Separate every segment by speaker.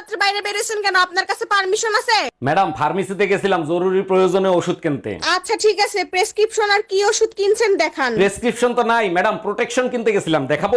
Speaker 1: রাত্রে বাইরে বেরিয়েছেন কেন? আপনার কাছে পারমিশন আছে?
Speaker 2: ম্যাডাম ফার্মেসিতে গেছিলাম জরুরি প্রয়োজনে ওষুধ কিনতে।
Speaker 1: আচ্ছা ঠিক আছে, প্রেসক্রিপশন আর কি ওষুধ কিনছেন দেখান।
Speaker 2: প্রেসক্রিপশন তো নাই ম্যাডাম, প্রোটেকশন কিনতে গেছিলাম, দেখাবো?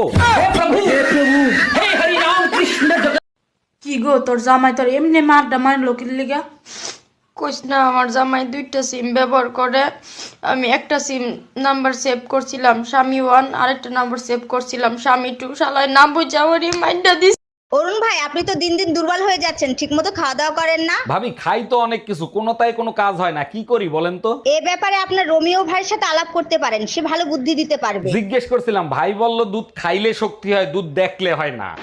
Speaker 3: কি গো তোর জামাই তোর এমনি মারডা মারলো কি লিগা?
Speaker 4: কইস না, আমার জামাই দুইটা সিম ব্যবহার করে। আমি একটা সিম নাম্বার সেভ করছিলাম স্বামী 1, আরেকটা নাম্বার সেভ করছিলাম স্বামী 2। শালায় নাম বুঝা ওরই মাইন্ডা দিস।
Speaker 5: অরুণ ভাই, আপনি তো দিন দিন দুর্বল হয়ে যাচ্ছেন, ঠিকমতো খাওয়া দাওয়া করেন না।
Speaker 2: ভাবি খাই তো অনেক কিছু, কোনোটাই কোনো কাজ হয় না, কি করি বলেন তো?
Speaker 5: এ ব্যাপারে আপনার রোমিও ভাইয়ের সাথে আলাপ করতে পারেন, সে ভালো বুদ্ধি দিতে পারবে।
Speaker 2: জিজ্ঞেস করছিলাম, ভাই বলল দুধ খাইলে শক্তি হয়, দুধ দেখলে হয় না।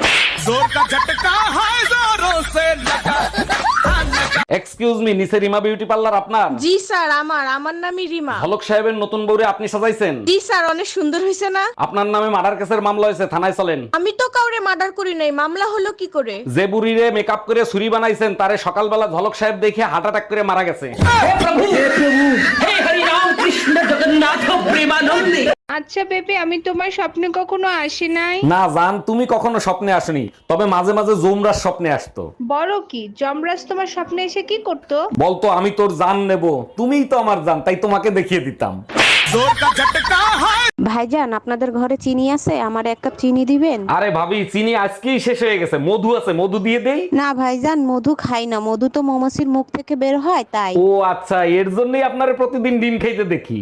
Speaker 2: এক্সকিউজ মি, নিচে রিমা বিউটি পার্লার আপনার?
Speaker 1: জি স্যার, আমার নামই রিমা।
Speaker 2: হলক সাহেবের নতুন বউরে আপনি সাজাইছেন?
Speaker 1: জি স্যার, অনেক সুন্দর হয়েছে না?
Speaker 2: আপনার নামে মার্ডার কেসের মামলা হয়েছে, থানায় চলেন।
Speaker 1: আমি তো কাউরে মার্ডার করি নাই, মামলা হলো কি করে?
Speaker 2: যে বুড়িরে মেকআপ করে ছুরি বানাইছেন তারে সকালবেলা ঝলক সাহেব দেখে হার্ট অ্যাটাক করে মারা গেছে।
Speaker 6: আচ্ছা বেবি, আমি তোমার স্বপ্নে কখনো আসি নাই।
Speaker 2: না জান, তুমি কখনো স্বপ্নে আসনি, তবে মাঝে মাঝে জুমরার স্বপ্নে আসতো।
Speaker 6: বড় কি যমরাজ তোমার স্বপ্নে এসে কি করতো?
Speaker 2: বলতো আমি তোর জান নেব, তুমিই তো আমার জান, তাই তোমাকে দেখিয়ে দিতাম।
Speaker 7: ভাইজান, আপনাদের ঘরে চিনি আছে? আমার এক কাপ চিনি দিবেন?
Speaker 2: আরে ভাবি, চিনি আজকেই শেষ হয়ে গেছে, মধু আছে, মধু দিয়ে দেই?
Speaker 7: না ভাইজান, মধু খাই না, মধু তো মৌমাছির মুখ থেকে বের হয় তাই।
Speaker 2: ও আচ্ছা, এর জন্যই আপনারে প্রতিদিন ডিম খাইতে দেখি।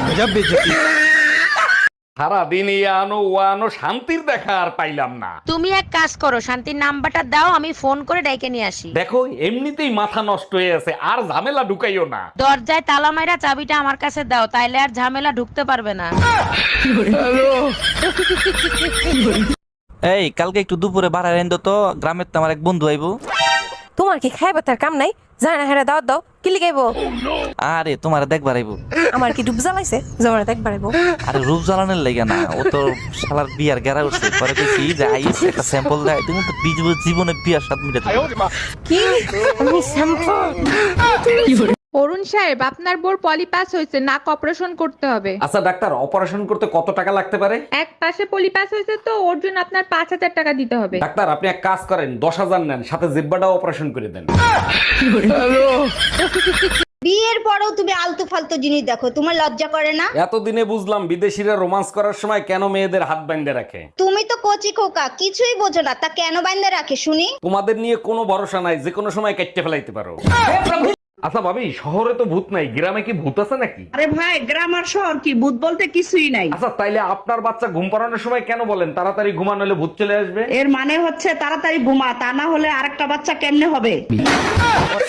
Speaker 2: সারাদিন এই আনো ও আনো, শান্তির দেখা আর পাইলাম না।
Speaker 8: তুমি এক কাজ করো, শান্তির নাম্বারটা দাও, আমি ফোন করে ডাইকে নিয়ে আসি।
Speaker 2: দেখো এমনিতেই মাথা নষ্ট হয়ে আছে, আর ঝামেলা ঢুকাইও না।
Speaker 8: দরজায় তালা মাইরা চাবিটা আমার কাছে দাও, তাইলে আর ঝামেলা ঢুকতে পারবে না।
Speaker 9: এই কালকে একটু দুপুরে বাড়ায় এনে তো, গ্রামের তো আমার এক বন্ধু আইবো।
Speaker 7: তোমার কি খাইবা তার কাম নাই? জানা না হেরা দাও কি লিখাইবো?
Speaker 9: আরে তোমার দেখবার আইবো।
Speaker 7: আমার কি ডুব জ্বালাইছে জমানা দেখ বাড়াইবো?
Speaker 9: আরে রূপ জ্বালানোর লাগে না, ও তো শালার বিয়ার গেরা উঠছে। পরে দেখি যে আইস একটা স্যাম্পল দেয়, তুমি তো জীবনে বিয়ার স্বাদ মিটাতে পারবে।
Speaker 7: কি আমি স্যাম্পল?
Speaker 6: অরুণ সাহেব, আপনার বোর পলিপাস হয়েছে, নাক অপারেশন করতে হবে।
Speaker 2: আচ্ছা ডাক্তার, অপারেশন করতে কত টাকা লাগতে পারে?
Speaker 6: এক পাশে পলিপাস হয়েছে তো ওর জন্য আপনার 5,000 টাকা দিতে হবে।
Speaker 2: ডাক্তার আপনি এক কাজ করেন, 10,000 নেন, সাথে জিব্বাটাও অপারেশন করে দেন।
Speaker 5: বিয়ের পরেও তুমি আলতু ফালতু জিনিস দেখো, তোমার লজ্জা করে না?
Speaker 2: এতদিনে বুঝলাম বিদেশিরা রোমান্স করার সময় কেন মেয়েদের হাত বাইন্ধে রাখে।
Speaker 5: তুমি তো কচি খোকা, কিছুই বোঝো না, তা কেন বাইন্ধে রাখে শুনি?
Speaker 2: তোমাদের নিয়ে কোনো ভরসা নাই, যে কোনো সময় কেটে ফেলাইতে পারো। আচ্ছা ভাবি, শহরে তো ভূত নাই, গ্রামে কি ভূত আছে নাকি?
Speaker 10: আরে ভাই, গ্রাম আর শহর কি, ভূত বলতে কিছুই নাই।
Speaker 2: আচ্ছা তাইলে আপনার বাচ্চা ঘুম পাড়ানোর সময় কেন বলেন তাড়াতাড়ি ঘুমানো হলে ভূত চলে আসবে?
Speaker 10: এর মানে হচ্ছে তাড়াতাড়ি ঘুমা, তা না হলে আরেকটা বাচ্চা কেমনে হবে?